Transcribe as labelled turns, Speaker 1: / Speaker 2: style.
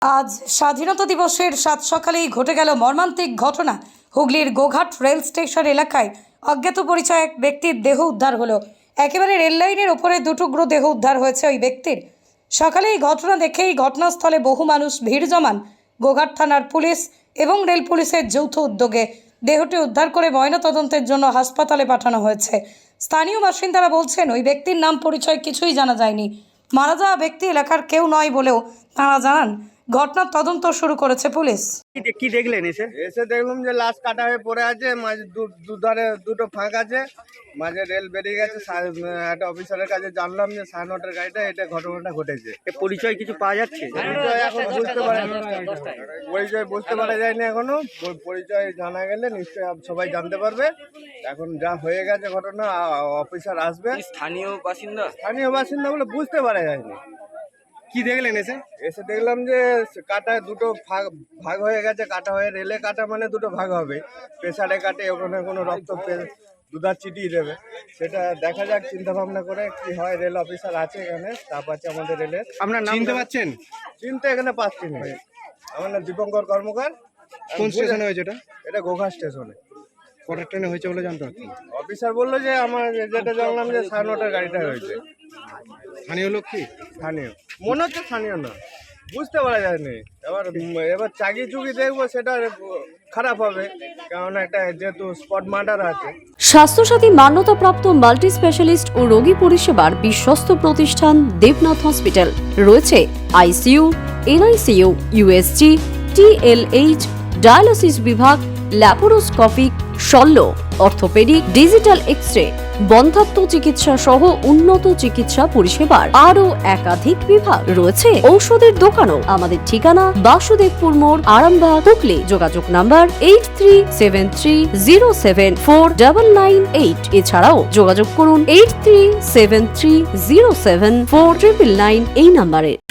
Speaker 1: আজ স্বাধীনতা দিবসের সাত সকালেই ঘটে গেল মর্মান্তিক ঘটনা। হুগলির গোঘাট রেল স্টেশন এলাকায় অজ্ঞাত পরিচয় এক ব্যক্তির দেহ উদ্ধার হলো। একেবারে রেল লাইনের ওপরে দুটুকরো দেহ উদ্ধার হয়েছে ওই ব্যক্তির। সকালে এই ঘটনা দেখেই ঘটনাস্থলে বহু মানুষ ভিড় জমান। গোঘাট থানার পুলিশ এবং রেল পুলিশের যৌথ উদ্যোগে দেহটি উদ্ধার করে ময়নাতদন্তের জন্য হাসপাতালে পাঠানো হয়েছে। স্থানীয় বাসিন্দারা বলছেন ওই ব্যক্তির নাম পরিচয় কিছুই জানা যায়নি। মারা যাওয়া ব্যক্তি এলাকার কেউ নয় বলেও তাঁরা জানান। ঘটনার তদন্ত শুরু করেছে পুলিশ।
Speaker 2: কি দেখলেন
Speaker 3: এসে দেখলাম যে লাশ কাটা হয়ে পড়ে আছে, মাঝে দুধারে দুটো ফাঁক আছে, মাঝে রেল বেরিয়ে গেছে। একটা অফিসারের কাছে জানলাম যে 9:30 গাড়িটা এটা ঘটনাটা ঘটেছে।
Speaker 2: পরিচয় কিছু পাওয়া যাচ্ছে?
Speaker 3: পরিচয় এখন বুঝতে পারা যায়নি এখনো। পরিচয় জানা গেলে নিশ্চয়ই সবাই জানতে পারবে। এখন যা হয়ে গেছে ঘটনা, অফিসার আসবে।
Speaker 2: স্থানীয়
Speaker 3: বাসিন্দা বলে বুঝতে পারা যায়নি।
Speaker 2: কি দেখলেন
Speaker 3: এসে দেখলাম যে কাটায় দুটো ভাগ হয়ে গেছে। কাটা হয়ে রেলে কাটা মানে দুটো ভাগ হবে। প্রেসারে কাটে, ওখানে কোনো রক্ত দুধার চিটিয়ে দেবে। সেটা দেখা যাক, চিন্তা ভাবনা করে কি হয়। রেল অফিসার আছে এখানে, স্টাফ আছে আমাদের রেলের।
Speaker 2: আপনার নাম চিনতে পারছেন?
Speaker 3: চিনতে এখানে পাচ্ছি না। আমার নাম দীপঙ্কর কর্মকার।
Speaker 2: কোন স্টেশনে হয়েছে
Speaker 3: এটা গোঘাট স্টেশনে।
Speaker 2: কটার ট্রেনে হয়েছে বলে জানতে পারছি?
Speaker 3: অফিসার বললো যে আমার যেটা জানলাম যে 9:30 গাড়িটা হয়েছে।
Speaker 2: স্থানীয় লোক কি?
Speaker 3: স্থানীয় মনে হচ্ছে, স্থানীয় না, বুঝতে পারা যায়নি। এবার চাকি চুকি দেখবো, সেটা খারাপ হবে, কারণ একটা যেহেতু স্পট মার্ডার আছে।
Speaker 4: স্বাস্থ্যসাথী মান্যতাপ্রাপ্ত মাল্টি স্পেশালিস্ট ও রোগী পরিষেবার বিশ্বস্ত প্রতিষ্ঠান দেবনাথ হসপিটাল। রয়েছে ICU, NICU, USG, TLH, dialysis বিভাগ, ল্যাপারোস্কোপিক, শল্য, অর্থোপেডিক, ডিজিটাল এক্স-রে, বন্ধ্যাত্ব চিকিৎসা সহ উন্নত চিকিৎসা পরিষেবার আরও একাধিক বিভাগ। রয়েছে ঔষধের দোকানও। আমাদের ঠিকানা বাসুদেবপুর মোড়, আরামবাগ, হুগলি। যোগাযোগ নাম্বার 8373074998। এছাড়াও যোগাযোগ করুন 8373074999 এই নাম্বারে।